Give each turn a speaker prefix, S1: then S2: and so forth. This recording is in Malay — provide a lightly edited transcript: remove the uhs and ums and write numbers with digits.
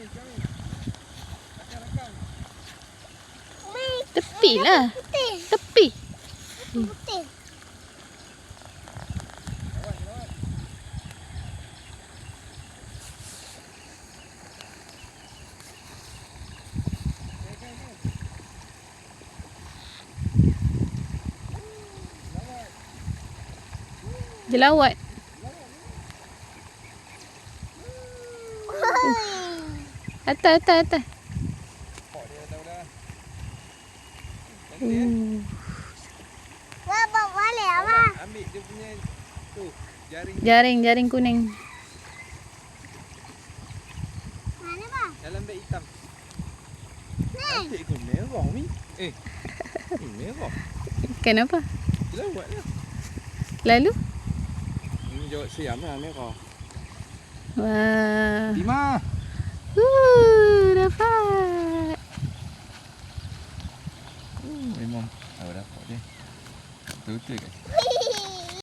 S1: Tepi lah. Tepi.
S2: Putih.
S1: Dia lawat. Atas, atas, atas.
S2: Bawa balik apa?
S3: Ambil dia punya tu jaring.
S1: Jaring kuning.
S2: Mana bang?
S3: Dalam beg hitam.
S2: Ni.
S3: Cantik ke merah ni? Merah.
S1: Kenapa?
S3: Lawat lah.
S1: Lalu?
S3: Ini jawab siam lah merah.
S1: Wah.
S3: Lima.
S1: Dapat.
S3: Memang. Dapat dia. Betul-betul kan?